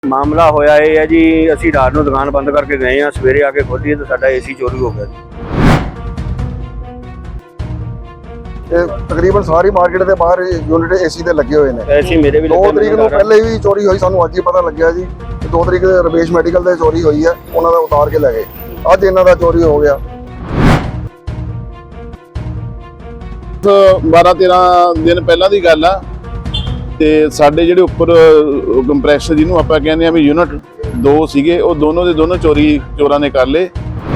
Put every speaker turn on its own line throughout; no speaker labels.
मामला होया है जी, असी रात को दुकान बंद करके गए हैं, सवेरे आके खोली तो साडा एसी चोरी हो गया जी।
तकरीबन सारी मार्केट के बाहर यूनिट एसी ते लगे हुए हैं।
एसी मेरे भी
2 तरीक को पहले भी चोरी हुई, सानू अज ही पता लग्या जी। 2 तरीक रमेश मैडिकल से चोरी हुई है, उन्होंने उतार के ले गए। अज इन्हां दा चोरी हो गया।
12-13 दिन पहला की गल आ ते साडे जिहड़े उपर कंप्रैसर जिन्हों आपां कहने आ भी यूनिट 2 सीगे, वो दोनों दे दोनों चोरां ने कर ले।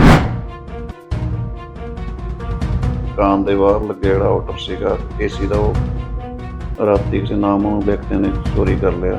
दुकान के बाहर लगे जोड़ा ऑर्डर सीगा एसी का, वो राती किसी नामों व्यक्ति ने चोरी कर लिया।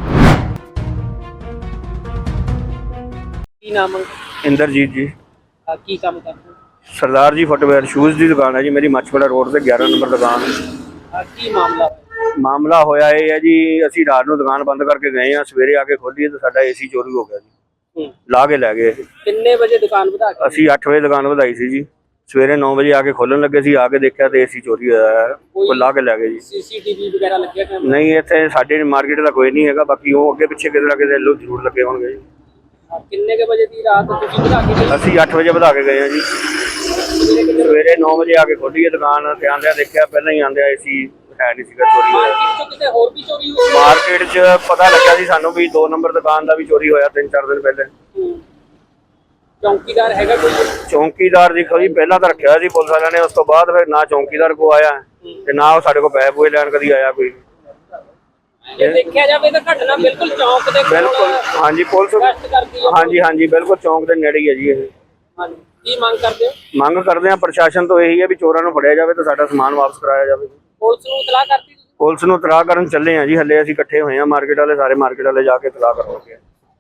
की नाम है?
इंद्रजीत जी।
की काम करते हो?
सरदार जी फुटवेयर शूज़ की दुकान है जी मेरी, मच्छवाड़ा रोड से 11 नंबर दुकान।
की मामला?
मामला होया है जी, असी रात को दुकान बंद करके गए हैं, सवेरे आके खोली तो साडा एसी चोरी हो गया जी। ला के लै गए।
कितने बजे दुकान बधा के?
असी 8 बजे दुकान बधाई सी जी, सवेरे 9 बजे आके खोलन लगे सी, आके देखा तो एसी चोरी होया है, कोई ला के लै गए जी।
सीसीटीवी वगैरह लगे कैमरे?
नहीं, इत्थे साडे मार्केट का कोई नहीं है, बाकी वो अगे पिछे किते ना किते लोग जरूर लगे होंगे जी।
किन्ने के बजे दी रात तुसीं बधा के गए?
असी 8 बजे बधा के गए हैं जी, सवेरे 9 बजे आके खोली है दुकान ते आंदे देखा पहले ही आंदे एसी है नहीं सीगा चोरी होया।
मार्केट चों किते होर भी चोरी हुई?
मार्केट च पता लग्या सी सानू भी 2 नंबर दुकान का भी चोरी होया 3-4 दिन पहले।
चौकीदार हैगा कोई?
चौकीदार देखो जी पहला तो रखा सी पुलिस वाले ने, उस तो बाद फिर ना चौकीदार को आया ते ना वो साडे को पैसे पूए लैन कदी आया कोई।
जे देखा जाए तो घटना बिल्कुल चौक दे कोल
बिल्कुल हाँ जी, पुलिस
गश्त करदी है।
हाँ जी हाँ जी, बिल्कुल चौक के नेड़े ही है जी। ये
हाँ जी, की मांग करते हो?
मंग करते हैं प्रशासन तो यही है भी चोरों को फड़िया जाए तो साडा समान वापस कराया जाए।
पुलिस नूं इतलाह करती?
पुलिस नूं तलाह करन चले हैं जी, हले असीं इकट्ठे होए हैं मार्केट वाले, सारे मार्केट वाले जाके तलाह कर लगे।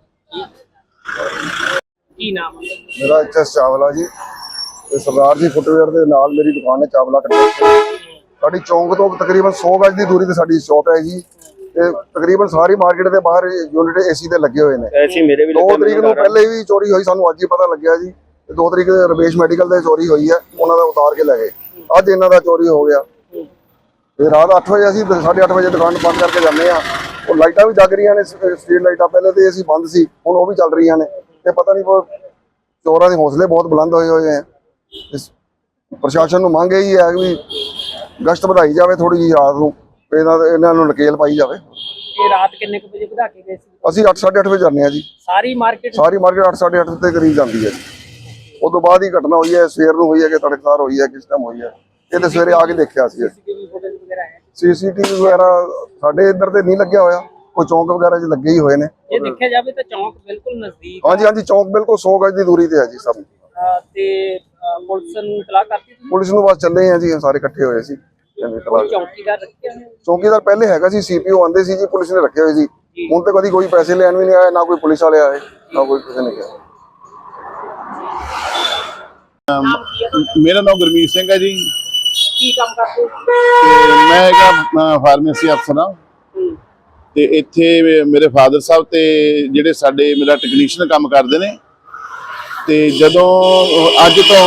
की नाम है?
मेरा एचएस चावला जी, ते सरदार जी फुटवेयर के नाल मेरी दुकान है चावला कटोरी। साडी चौंक तो तकरीबन 100 गज की दूरी ते साडी शॉप है जी। ते तकरीबन सारी मार्केट के बाहर यूनिट एसी ते लगे हुए हैं।
एसी मेरे भी
2 तरीक को पहले भी चोरी हुई, सानू अज ही पता लग्या जी। 2 तरीक रमेश मैडिकल से चोरी हुई है, उन्होंने उतार के ले गए। अज इन्हां दा चोरी हो गया। ते रात 8 बजे असीं 8:30 बजे दुकान बंद करके जाने आ। और लाइटां भी जग रही ने, स्ट्रीट लाइटां पहले तो असीं बंद सी, हुण वो भी चल रही ने। ते पता नहीं चोरां दे हौसले बहुत बुलंद होए हुए हैं। प्रशासन नूं मंग यही है कि गश्त बढ़ाई जाए थोड़ी जी रात नूं, इन्हां नूं नकेल पाई जाए।
ये रात किन्ने को बजे बधा के गए सी?
असीं 8-8:30 बजे जाने जी।
सारी मार्केट
8-8:30 के करीब जाती है जी। उस तो बाद ही घटना हुई है, सवेर नूं हुई है कि तड़कसार हुई है, किस टाइम हुई है ये तो सवेरे आके देखा सी।
सीसीटीवी फुटेज वगैरह है?
सीसीटीवी वगैरह साडे इधर ते नहीं लग्या होया, कोई चौंक वगैरह च लगे ही हुए ने।
ये देखा जाए तो चौक बिल्कुल नजदीक
हाँ जी हाँ जी, चौंक बिल्कुल 100 गज की दूरी ते है जी सब।
ते पुलिस नूं इतलाह करती तुसीं?
पुलिस नूं बस चले हैं जी, सारे इकट्ठे होए सी।
कोई चौकीदार रखे हैं?
चौकीदार पहले हैगा सी, सीपीओ आंदे सी जी, पुलिस ने रखे हुए सी। हुण ते कदी कोई पैसे लैन भी नहीं आया, ना कोई पुलिस वाले आए, ना कोई किसी ने किया।
मेरा नाम गुरमीत सिंह है जी,
की काम करते हो?
ते मैं एक फार्मेसी अफसर हाँ। ते इत्थे मेरे फादर साहब ते जिहड़े साडे मेरा टैक्नीशियन काम करते हैं। ते जदों अज तो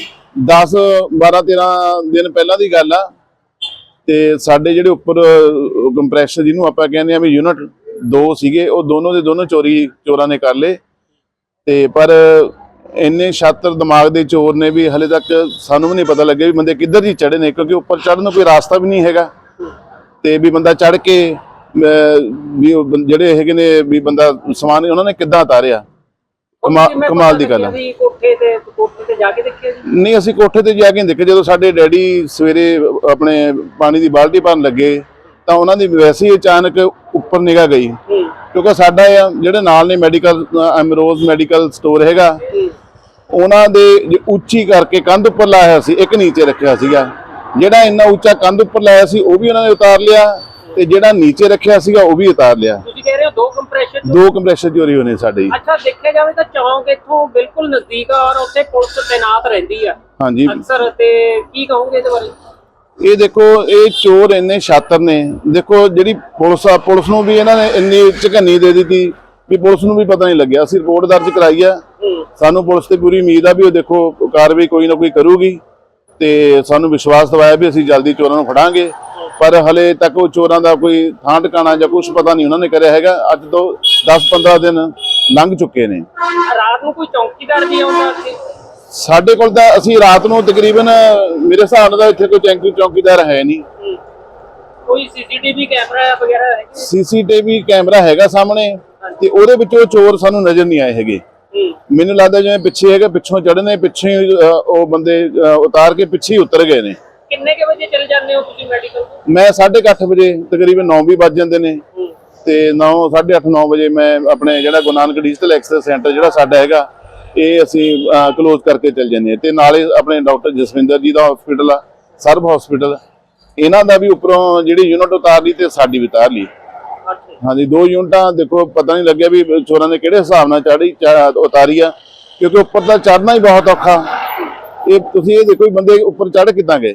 10-12-13 दिन पहला की गल आ, ते साडे जिहड़े उपर कंप्रैसर जिन्हों आपां कहने आ भी यूनिट 2 सीगे, वो दोनों दे दोनों चोरां ने कर ले। ते पर इन्ने शातिर दिमाग के चोर ने भी हले तक सानू भी नहीं पता लगे भी बंदे किधर ही चढ़े ने, क्योंकि उपर चढ़न कोई रास्ता भी नहीं हैगा। ते भी बंदा चढ़ के भी जिहड़े हैगे ने भी बंदा समान उन्होंने किद्दां उतारिया, कमाल दी गल है।
कोठे ते जाके देखिया जी?
नहीं, असीं कोठे ते जाके देखे। जो साडे डैडी सवेरे अपने पानी की बाल्टी भरन लगे तो उन्होंने वैसे ही अचानक उपर निगाह गई, क्योंकि साडा जिहड़े नाल ने मैडिकल एमरोज मैडिकल स्टोर हैगा, उन्हां दे उच्ची करके कंध उपर लाया सी, एक नीचे रखिया सीगा। जिहड़ा इन्ना उच्चा कंध उपर लाया सी वो भी उन्होंने उतार लिया, ते जिहड़ा नीचे रखिया सीगा वो भी उतार लिया।
तुसीं कह रहे हो 2
कंप्रेसर चोरी होने साडे।
अच्छा, देखा जाए तो चौक इत्थों बिल्कुल नजदीक और उत्थे पुलिस तैनात रहिंदी है
हाँ जी
अक्सर, ते की कहोगे इहदे बारे?
ये देखो, ये चोर इन्ने शातिर ने। देखो जी पुलिस नूं भी इन्होंने इन्नी झकन्नी दे दी थी भी पुलिस नूं भी पता नहीं लग्या। असीं रिपोर्ट दर्ज कराई है, सानू पुलिस ते पूरी उम्मीद आ भी वो देखो कार्रवाई कोई ना कोई करूगी, ते सानू विश्वास दवाया भी असीं जल्दी चोरां नूं फड़ांगे। ਪਰ ਹਲੇ ਤੱਕ ਉਹ ਚੋਰਾਂ ਦਾ ਕੋਈ ਥਾਂ ਟਿਕਾਣਾ ਜਾਂ ਕੁਝ ਪਤਾ ਨਹੀਂ ਉਹਨਾਂ ਨੇ ਕਰਿਆ ਹੈਗਾ। ਅੱਜ ਤੋਂ 10-15 ਦਿਨ ਲੰਘ ਚੁੱਕੇ ਨੇ।
ਰਾਤ ਨੂੰ ਕੋਈ ਚੌਕੀਦਾਰ ਵੀ ਆਉਂਦਾ ਸੀ?
ਸਾਡੇ ਕੋਲ ਤਾਂ ਅਸੀਂ ਰਾਤ ਨੂੰ ਤਕਰੀਬਨ ਮੇਰੇ ਹਿਸਾਬ ਨਾਲ ਇੱਥੇ ਕੋਈ ਚੌਕੀਦਾਰ ਹੈ ਨਹੀਂ।
ਕੋਈ ਸੀਸੀਟੀਵੀ ਕੈਮਰਾ ਵਗੈਰਾ ਹੈ?
ਸੀਸੀਟੀਵੀ ਕੈਮਰਾ ਹੈਗਾ ਸਾਹਮਣੇ ਤੇ ਉਹਦੇ ਵਿੱਚ ਉਹ ਚੋਰ ਸਾਨੂੰ ਨਜ਼ਰ ਨਹੀਂ ਆਏ ਹੈਗੇ। ਮੈਨੂੰ ਲੱਗਦਾ ਜਿਵੇਂ ਪਿੱਛੇ ਹੈਗਾ, ਪਿੱਛੋਂ ਚੜ੍ਹਨੇ, ਪਿੱਛੇ ਉਹ ਬੰਦੇ ਉਤਾਰ ਕੇ ਪਿੱਛੇ ਹੀ ਉਤਰ ਗਏ ਨੇ।
ਕਿੰਨੇ ਕੇ ਵਜੇ ਚਲੇ ਜਾਂਦੇ ਹੋ ਤੁਸੀਂ ਮੈਡੀਕਲ?
ਮੈਂ 8:30 ਵਜੇ, ਤਕਰੀਬਨ 9 ਵੀ ਵੱਜ ਜਾਂਦੇ ਨੇ ਤੇ 8:30-9 ਵਜੇ ਮੈਂ ਆਪਣੇ ਜਿਹੜਾ Guru Nanak digital access centre ਜਿਹੜਾ ਸਾਡਾ ਹੈਗਾ ਇਹ ਅਸੀਂ ਕਲੋਜ਼ ਕਰਕੇ ਚੱਲ ਜਾਂਦੇ ਹਾਂ। ਤੇ ਨਾਲੇ ਆਪਣੇ ਡਾਕਟਰ ਜਸਵਿੰਦਰ ਜੀ ਦਾ ਹਸਪੀਟਲ ਆ, ਸਰਬ ਹਸਪੀਟਲ, ਇਹਨਾਂ ਦਾ ਵੀ ਉੱਪਰੋਂ ਜਿਹੜੀ ਯੂਨਿਟ ਉਤਾਰ ਲਈ ਤੇ ਸਾਡੀ ਵੀ ਉਤਾਰ ਲਈ। ਹਾਂਜੀ, 2 ਯੂਨਿਟਾਂ ਦੇਖੋ, ਪਤਾ ਨਹੀਂ ਲੱਗਿਆ ਵੀ ਚੋਰਾਂ ਨੇ ਕਿਹੜੇ ਹਿਸਾਬ ਨਾਲ ਉਤਾਰੀ ਆ, ਕਿਉਂਕਿ ਉੱਪਰ ਤਾਂ ਚੜ੍ਹਨਾ ਹੀ ਬਹੁਤ ਔਖਾ। ਇਹ ਤੁਸੀਂ ਇਹ ਦੇਖੋ ਬੰਦੇ ਉੱਪਰ ਚੜ੍ਹ ਕਿੱਦਾਂ ਗਏ।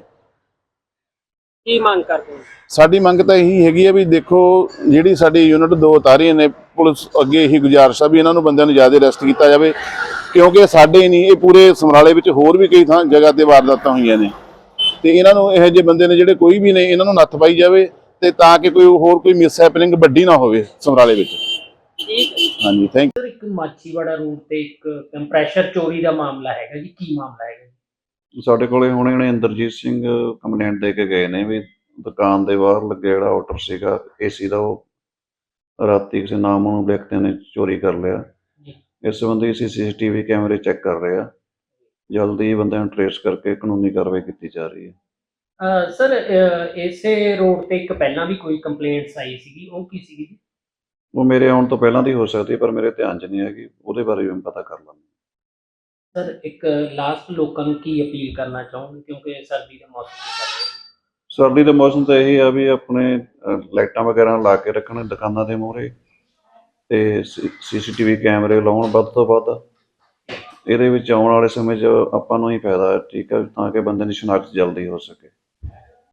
ਕੀ ਮੰਗ ਕਰਦੇ ਹੋ?
ਸਾਡੀ ਮੰਗ ਤਾਂ ਇਹੀ ਹੈਗੀ ਆ ਵੀ ਦੇਖੋ ਜਿਹੜੀ ਸਾਡੀ ਯੂਨਿਟ 2 ਉਤਾਰੀਆਂ ਨੇ, ਪੁਲਿਸ ਅੱਗੇ ਇਹੀ ਗੁਜ਼ਾਰਿਸ਼ ਆ ਵੀ ਇਹਨਾਂ ਨੂੰ ਬੰਦਿਆਂ ਨੂੰ ਜ਼ਿਆਦਾ ਅਰੈਸਟ ਕੀਤਾ ਜਾਵੇ, ਕਿਉਂਕਿ ਸਾਡੇ ਹੀ ਨਹੀਂ, ਇਹ ਪੂਰੇ ਸਮਰਾਲੇ ਵਿੱਚ ਹੋਰ ਵੀ ਕਈ ਥਾਂ ਜਗ੍ਹਾ ਤੇ ਵਾਰਦਾਤਾਂ ਹੋਈਆਂ ਨੇ ਤੇ ਇਹਨਾਂ ਨੂੰ ਇਹੋ ਜਿਹੇ ਬੰਦੇ ਨੇ ਜਿਹੜੇ ਕੋਈ ਵੀ ਨੇ, ਇਹਨਾਂ ਨੂੰ ਨੱਥ ਪਾਈ ਜਾਵੇ ਤੇ ਤਾਂ ਕਿ ਕੋਈ ਮਿਸ ਹੈਪਨਿੰਗ ਵੱਡੀ ਨਾ ਹੋਵੇ ਸਮਰਾਲੇ ਵਿੱਚ।
ਠੀਕ ਹੈ।
ਹਾਂਜੀ, ਥੈਂਕ ਯੂ।
ਇੱਕ ਮਾਛੀਵਾੜਾ ਰੋਡ ਤੇ ਇੱਕ ਕੰਪਰੈਸ਼ਰ ਚੋਰੀ ਦਾ ਮਾਮਲਾ ਹੈਗਾ ਜੀ, ਕੀ ਮਾਮਲਾ ਹੈਗਾ?
ਸਾਡੇ ਕੋਲੇ ਹੁਣੇ ਇੰਦਰਜੀਤ ਸਿੰਘ ਕੰਪਲੇਂਟ ਦੇ ਕੇ ਗਏ ਨੇ ਵੀ ਦੁਕਾਨ ਦੇ ਬਾਹਰ ਲੱਗਿਆ ਜਿਹੜਾ ਆਊਟਰ ਸੀਗਾ ਏਸੀ ਦਾ, ਉਹ ਰਾਤੀ ਕਿਸੇ ਨਾਮਨੂ ਵਿਅਕਤੀ ਨੇ ਚੋਰੀ ਕਰ ਲਿਆ। ਇਸ ਸੰਬੰਧੀ ਅਸੀਂ ਸੀਸੀਟੀਵੀ ਕੈਮਰੇ ਚੈੱਕ ਕਰ ਰਹੇ ਆ, ਜਲਦੀ ਬੰਦਿਆਂ ਨੂੰ ਟ੍ਰੇਸ ਕਰਕੇ ਕਾਨੂੰਨੀ ਕਾਰਵਾਈ ਕੀਤੀ ਜਾ ਰਹੀ ਹੈ।
ਸਰ, ਇਸੇ ਰੋਡ ਤੇ ਇੱਕ ਪਹਿਲਾਂ ਵੀ ਕੋਈ ਕੰਪਲੇਂਟਸ ਆਈ ਸੀਗੀ, ਉਹ ਕੀ ਸੀਗੀ ਜੀ?
ਉਹ ਮੇਰੇ ਆਉਣ ਤੋਂ ਪਹਿਲਾਂ ਦੀ ਹੋ ਸਕਦੀ ਪਰ ਮੇਰੇ ਧਿਆਨ 'ਚ ਨਹੀਂ ਹੈਗੀ, ਉਹਦੇ ਬਾਰੇ ਵੀ ਮੈਂ ਪਤਾ ਕਰ ਲਾਂਗਾ।
ਸਰ, ਇੱਕ ਲਾਸਟ ਲੋਕਾਂ ਨੂੰ ਕੀ ਅਪੀਲ ਕਰਨਾ ਚਾਹੋਗੇ, ਕਿਉਂਕਿ ਸਰਦੀ ਦੇ ਮੌਸਮ ਚ
ਸਰਦੀ ਦੇ ਮੌਸਮ ਤਾਂ ਇਹੀ ਆ ਵੀ ਆਪਣੇ ਲਾਈਟਾਂ ਵਗੈਰਾ ਲਾ ਕੇ ਰੱਖਣ ਦੁਕਾਨਾਂ ਦੇ ਮੂਹਰੇ ਤੇ ਸੀਸੀਟੀਵੀ ਕੈਮਰੇ ਲਾਉਣ ਵੱਧ ਤੋਂ ਵੱਧ। ਇਹਦੇ ਵਿੱਚ ਆਉਣ ਵਾਲੇ ਸਮੇਂ 'ਚ ਆਪਾਂ ਨੂੰ ਹੀ ਫਾਇਦਾ ਹੈ, ਠੀਕ ਹੈ, ਤਾਂ ਕਿ ਬੰਦੇ ਦੀ ਸ਼ਨਾਖਤ ਜਲਦੀ ਹੋ ਸਕੇ।